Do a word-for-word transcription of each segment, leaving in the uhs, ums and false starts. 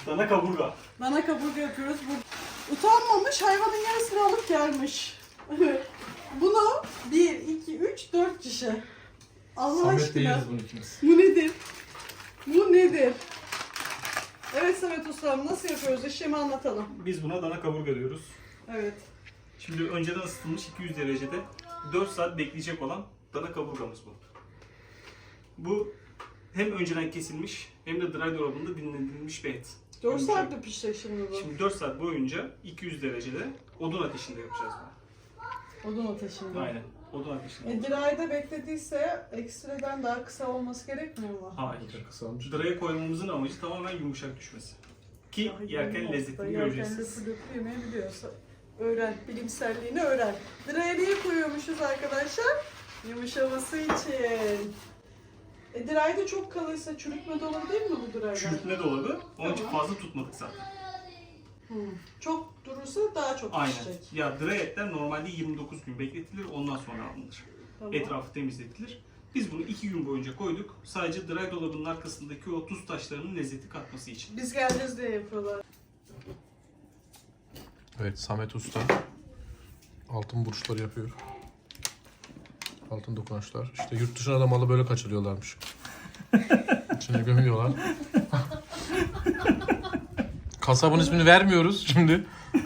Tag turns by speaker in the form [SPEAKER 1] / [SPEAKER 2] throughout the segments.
[SPEAKER 1] Dana kaburga.
[SPEAKER 2] Dana kaburga yapıyoruz. Bu utanmamış, hayvanın yarısını alıp gelmiş. Bunu bir, iki, üç, dört kişi. Allah
[SPEAKER 3] Samet
[SPEAKER 2] aşkına.
[SPEAKER 3] değiliz bunu ikimiz.
[SPEAKER 2] Bu nedir? Bu nedir? Evet Samet Ustam, nasıl yapıyoruz? İşlemi anlatalım.
[SPEAKER 1] Biz buna dana kaburga diyoruz.
[SPEAKER 2] Evet.
[SPEAKER 1] Şimdi önceden ısıtılmış iki yüz derecede dört saat bekleyecek olan dana kaburgamız bu. Bu hem önceden kesilmiş hem de dry dolabında dinlendirilmiş bir et.
[SPEAKER 2] dört
[SPEAKER 1] Yumuşak.
[SPEAKER 2] saatte pişecek şimdi bu.
[SPEAKER 1] Şimdi dört saat boyunca iki yüz derecede odun ateşinde yapacağız bunu.
[SPEAKER 2] Odun ateşinde.
[SPEAKER 1] Aynen. Odun ateşinde.
[SPEAKER 2] E, Diray'da beklediyse ekstreden daha kısa olması gerekmiyor mu?
[SPEAKER 1] Hayır.
[SPEAKER 3] Kısalmış.
[SPEAKER 1] Dry'a koymamızın amacı tamamen yumuşak düşmesi. Ki yerken lezzetini göreceksiniz.
[SPEAKER 2] Yerken lezzetini yemeyebiliyorsa. Öğren, bilimselliğini öğren. Diray'a niye koyuyormuşuz arkadaşlar? Yumuşaması için. E, Diray'da çok kalırsa çürütme de olabilir mi bu Diray'da?
[SPEAKER 1] Çürütme dolabı. Onun için
[SPEAKER 2] Tamam.
[SPEAKER 1] fazla tutmadık zaten.
[SPEAKER 2] Hmm. Çok durursa daha çok
[SPEAKER 1] Aynen.
[SPEAKER 2] pişecek.
[SPEAKER 1] Ya dry etler normalde yirmi dokuz gün bekletilir, ondan sonra alınır.
[SPEAKER 2] Tamam.
[SPEAKER 1] Etrafı temizletilir. Biz bunu iki gün boyunca koyduk. Sadece dry dolabının arkasındaki o tuz taşlarının lezzeti katması için.
[SPEAKER 2] Biz geleceğiz diye yapıyorlar.
[SPEAKER 3] Evet, Samet Usta altın burçları yapıyor. Altın dokunuşlar. İşte yurt dışına da malı böyle kaçırıyorlarmış. İçine gömüyorlar. Kasabın ismini vermiyoruz şimdi.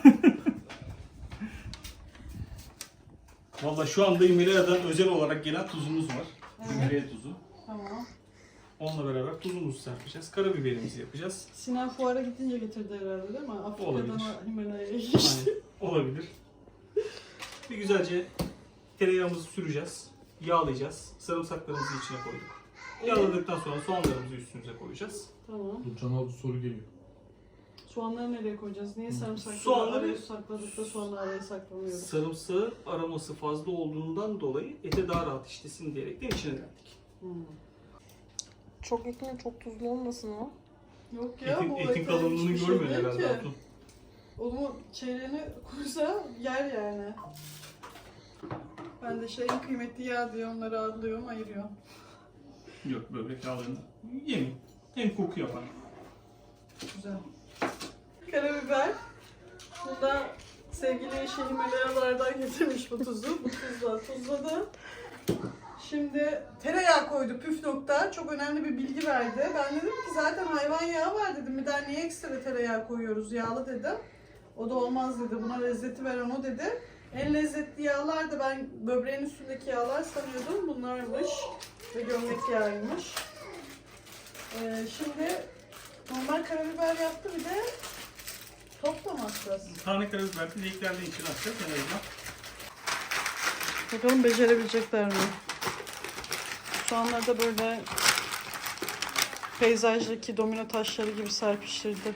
[SPEAKER 1] Valla şu anda Himalaya'dan özel olarak gelen tuzumuz var.
[SPEAKER 2] Evet.
[SPEAKER 1] Himalaya tuzu.
[SPEAKER 2] Tamam.
[SPEAKER 1] Onunla beraber tuzumuzu serpeceğiz. Karabiberimizi yapacağız.
[SPEAKER 2] Sinan fuara gidince getirdi herhalde değil mi? Afrika'dan
[SPEAKER 1] Olabilir.
[SPEAKER 2] Himalaya'ya
[SPEAKER 1] Aynen.
[SPEAKER 2] geçti.
[SPEAKER 1] Olabilir. Bir güzelce tereyağımızı süreceğiz. Yağlayacağız. Sarımsaklarımızı içine koyduk. Yağladıktan sonra soğanlarımızı üstümüze koyacağız.
[SPEAKER 2] Tamam.
[SPEAKER 3] Can'a bir soru geliyor.
[SPEAKER 2] Soğanları nereye koyacağız? Niye sarımsakları
[SPEAKER 1] Soğanları-
[SPEAKER 2] araya sakladık da sonra araya saklamıyoruz?
[SPEAKER 1] Sarımsağı aroması fazla olduğundan dolayı ete daha rahat işlesin diyerekten içine verdik.
[SPEAKER 2] Hmm.
[SPEAKER 4] Çok ekmeği çok tuzlu olmasın o.
[SPEAKER 2] Yok ya
[SPEAKER 1] Etin,
[SPEAKER 2] bu
[SPEAKER 1] etin
[SPEAKER 2] ete
[SPEAKER 1] kalınlığını
[SPEAKER 2] hiçbir şey
[SPEAKER 1] görmüyor
[SPEAKER 2] değil
[SPEAKER 1] herhalde
[SPEAKER 2] ki.
[SPEAKER 1] Hatun.
[SPEAKER 2] Onu çeyreğini koysa yer yani. Ben de şey en kıymetli yağ diye onları adlıyorum, ayırıyorum.
[SPEAKER 1] Yok, böbrek yağlarını yemeyin. Hem koku yapar.
[SPEAKER 2] Güzel. Karabiber. Bunda sevgili eşi Himalayalardan getirmiş bu tuzu. Bu tuzla tuzladı. Şimdi tereyağı koydu, püf nokta. Çok önemli bir bilgi verdi. Ben dedim ki zaten hayvan yağı var dedim. Bir daha niye ekstra tereyağı koyuyoruz yağlı dedim. O da olmaz dedi. Buna lezzeti veren o dedi. En lezzetli yağlar da ben böbreğin üstündeki yağlar sanıyordum. Bunlarmış. Ve gömlek yağıymış. Ee, şimdi normal karabiber yaptı, bir de topla mı atacağız?
[SPEAKER 1] Tane karabiber dileklerden içine atacağız. En azından.
[SPEAKER 2] Bakalım becerebilecekler mi? Soğanları da böyle peyzajdaki domino taşları gibi serpiştirdi.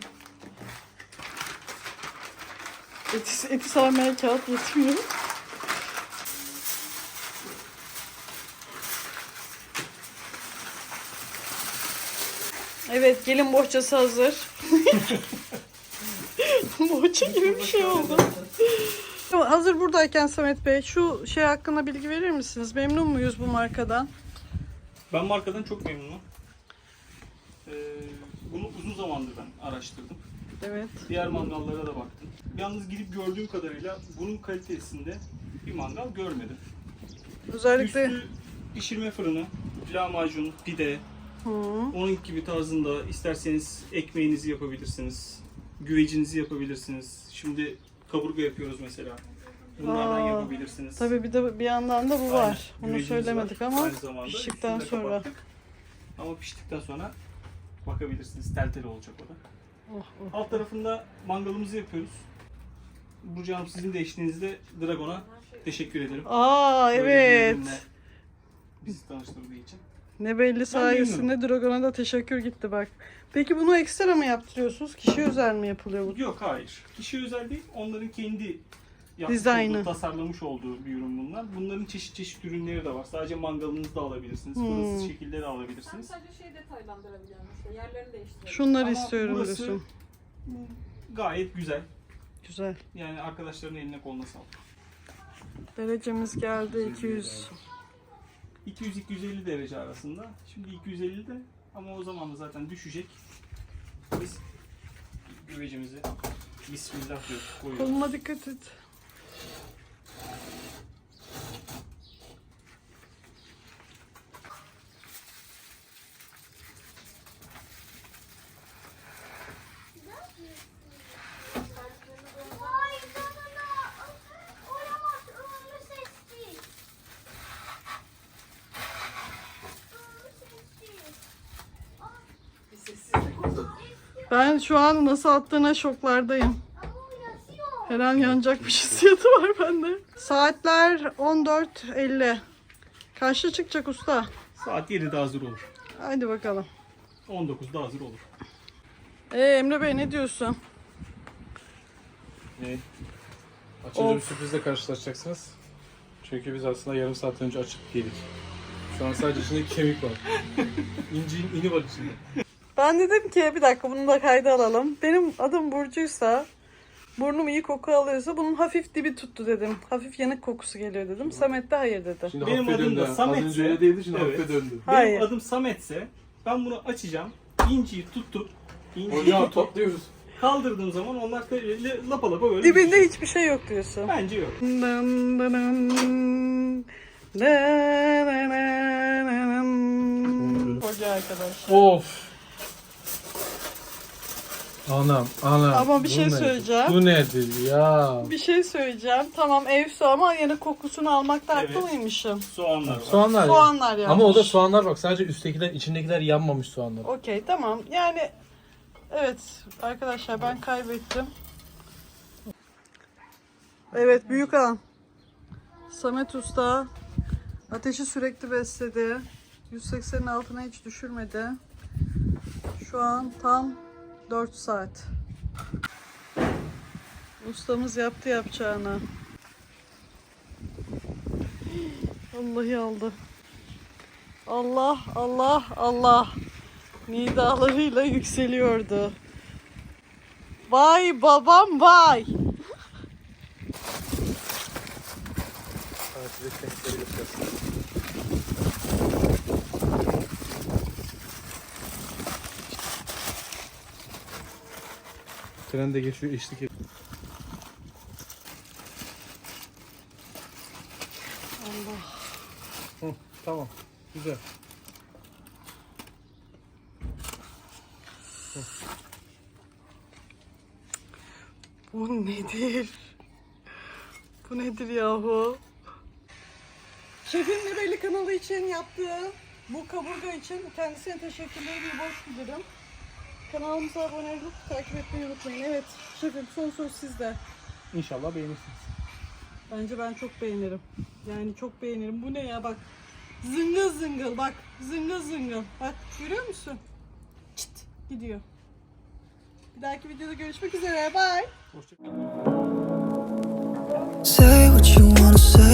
[SPEAKER 2] Eti, eti sarmaya kağıt yetmiyor. Evet, gelin bohçası hazır. Bohça gibi bir şey oldu. Hazır buradayken Samet Bey, şu şey hakkında bilgi verir misiniz? Memnun muyuz bu markadan?
[SPEAKER 1] Ben markadan çok memnunum. Ee, bunu uzun zamandır ben araştırdım.
[SPEAKER 2] Evet.
[SPEAKER 1] Diğer mangallara da baktım. Yalnız gidip gördüğüm kadarıyla bunun kalitesinde bir mangal görmedim.
[SPEAKER 2] Özellikle
[SPEAKER 1] Üstü pişirme fırını, lahmacun, pide,
[SPEAKER 2] Hı.
[SPEAKER 1] onun gibi tarzında isterseniz ekmeğinizi yapabilirsiniz, güvecinizi yapabilirsiniz. Şimdi kaburga yapıyoruz mesela. Bunlardan
[SPEAKER 2] Aa,
[SPEAKER 1] yapabilirsiniz.
[SPEAKER 2] Tabii bir de bir yandan da bu
[SPEAKER 1] Aynen.
[SPEAKER 2] var. Bunu
[SPEAKER 1] Güvecimiz
[SPEAKER 2] söylemedik
[SPEAKER 1] var.
[SPEAKER 2] ama
[SPEAKER 1] Aynı zamanda
[SPEAKER 2] piştikten
[SPEAKER 1] üstünü de
[SPEAKER 2] sonra.
[SPEAKER 1] kapattık. Ama piştikten sonra bakabilirsiniz. Tel tel olacak o da.
[SPEAKER 2] Oh, oh.
[SPEAKER 1] Alt tarafında mangalımızı yapıyoruz. Burcu Hanım, sizin de eşliğinizde Dragon'a teşekkür ederim.
[SPEAKER 2] Aa
[SPEAKER 1] Böyle bir
[SPEAKER 2] evet.
[SPEAKER 1] ürünle bizi tanıştırdığı için.
[SPEAKER 2] Ne belli sayesinde Dragon'a da teşekkür gitti bak. Peki bunu ekstra mı yaptırıyorsunuz? Kişi özel mi yapılıyor bu?
[SPEAKER 1] Yok, hayır. Kişi özel değil. Onların kendi yapmış
[SPEAKER 2] Dizaynı.
[SPEAKER 1] olduğu, tasarlamış olduğu bir ürün bunlar. Bunların çeşit çeşit ürünleri de var. Sadece mangalınızda alabilirsiniz.
[SPEAKER 2] Hmm.
[SPEAKER 1] Fırınsız şekilde de alabilirsiniz.
[SPEAKER 4] Sadece şey detaylandırabiliyorum işte yerlerini değiştirelim.
[SPEAKER 2] Şunları
[SPEAKER 1] Ama
[SPEAKER 2] istiyorum
[SPEAKER 1] burası
[SPEAKER 2] diyorsun.
[SPEAKER 1] gayet güzel.
[SPEAKER 2] Güzel.
[SPEAKER 1] Yani arkadaşların eline koluna sağlık.
[SPEAKER 2] Derecemiz geldi iki yüz.
[SPEAKER 1] iki yüz iki yüz elli derece arasında. Şimdi iki yüz ellide ama o zaman da zaten düşecek. Biz güvecimizi bismillah diyoruz, koyuyoruz.
[SPEAKER 2] Koluma dikkat et.
[SPEAKER 5] Vay canına. Olamaz. Ömrü sessiz. Ömrü sessiz.
[SPEAKER 2] Ben şu an nasıl attığına şoklardayım.
[SPEAKER 5] Ama o yaşıyor.
[SPEAKER 2] Her an yanacakmış hissiyatı var bende. Saatler on dört elli. Kaçta çıkacak usta?
[SPEAKER 1] Saat yedide hazır olur.
[SPEAKER 2] Haydi bakalım.
[SPEAKER 1] on dokuzda hazır olur.
[SPEAKER 2] Ee, Emre Bey ne diyorsun?
[SPEAKER 3] Ne? Açınca bir
[SPEAKER 2] Of.
[SPEAKER 3] sürprizle karşılaşacaksınız. Çünkü biz aslında yarım saat önce açıp yedik. Şu an sadece içinde kemik var. İnciğin ini var içinde.
[SPEAKER 2] Ben dedim ki bir dakika bunu da kayda alalım. Benim adım Burcu'ysa, burnum iyi koku alıyorsa bunun hafif dibi tuttu dedim. Hafif yanık kokusu geliyor dedim. Samet de hayır dedi.
[SPEAKER 3] Şimdi
[SPEAKER 1] Benim
[SPEAKER 3] hafife
[SPEAKER 1] adım da
[SPEAKER 3] döndü. Az
[SPEAKER 1] Samet'se-
[SPEAKER 3] önce öyle değildi, şimdi
[SPEAKER 1] Evet.
[SPEAKER 3] hafife döndü.
[SPEAKER 2] Hayır.
[SPEAKER 1] Benim adım Samet'se ben bunu açacağım. İnciyi tutup inciyi
[SPEAKER 3] Hocam
[SPEAKER 1] tutup
[SPEAKER 3] topluyoruz.
[SPEAKER 1] kaldırdığım zaman onlar böyle lapa lapa böyle
[SPEAKER 2] Dibinde
[SPEAKER 1] düşüyor.
[SPEAKER 2] hiçbir şey yok diyorsun.
[SPEAKER 1] Bence yok.
[SPEAKER 2] Dın dın dın. Na na na na na. Hoca arkadaşlar.
[SPEAKER 3] Of. Anam, anam.
[SPEAKER 2] Ama bir
[SPEAKER 3] Bu
[SPEAKER 2] şey
[SPEAKER 3] nedir?
[SPEAKER 2] söyleyeceğim.
[SPEAKER 3] Bu nedir ya?
[SPEAKER 2] Bir şey söyleyeceğim. Tamam ev su ama yanık kokusunu almakta haklı
[SPEAKER 1] Evet.
[SPEAKER 2] mıymışım?
[SPEAKER 1] Soğanlar var.
[SPEAKER 3] Soğanlar.
[SPEAKER 2] Soğanlar yanmış.
[SPEAKER 3] Ama o da soğanlar bak, sadece üsttekiler, içindekiler yanmamış soğanlar.
[SPEAKER 2] Okey tamam. Yani evet arkadaşlar ben kaybettim. Evet büyük an. Samet Usta ateşi sürekli besledi. yüz seksenin altına hiç düşürmedi. Şu an tam dört saat. Ustamız yaptı yapacağını. Vallahi aldı. Allah Allah Allah. Nidalarıyla yükseliyordu. Vay babam vay.
[SPEAKER 3] Evet, size kemikleri göstereyim. Tren de geçiyor, eşlik ediyor.
[SPEAKER 2] Allah.
[SPEAKER 3] Hı, tamam, güzel.
[SPEAKER 2] Bu nedir? Bu nedir yahu? Şefin Nebelli kanalı için yaptığı bu kaburga için kendisine teşekkürleri bir borç bilirim. Kanalımıza abone olup takip etmeyi unutmayın. Evet şefim son söz sizde.
[SPEAKER 1] İnşallah beğenirsiniz.
[SPEAKER 2] Bence ben çok beğenirim. Yani çok beğenirim. Bu ne ya bak. Zıngıl zıngıl bak. Zıngıl zıngıl. Bak görüyor musun? Çıt gidiyor. Bir dahaki videoda görüşmek üzere. Bye.
[SPEAKER 1] Hoşçakalın.
[SPEAKER 6] Say what you wanna say.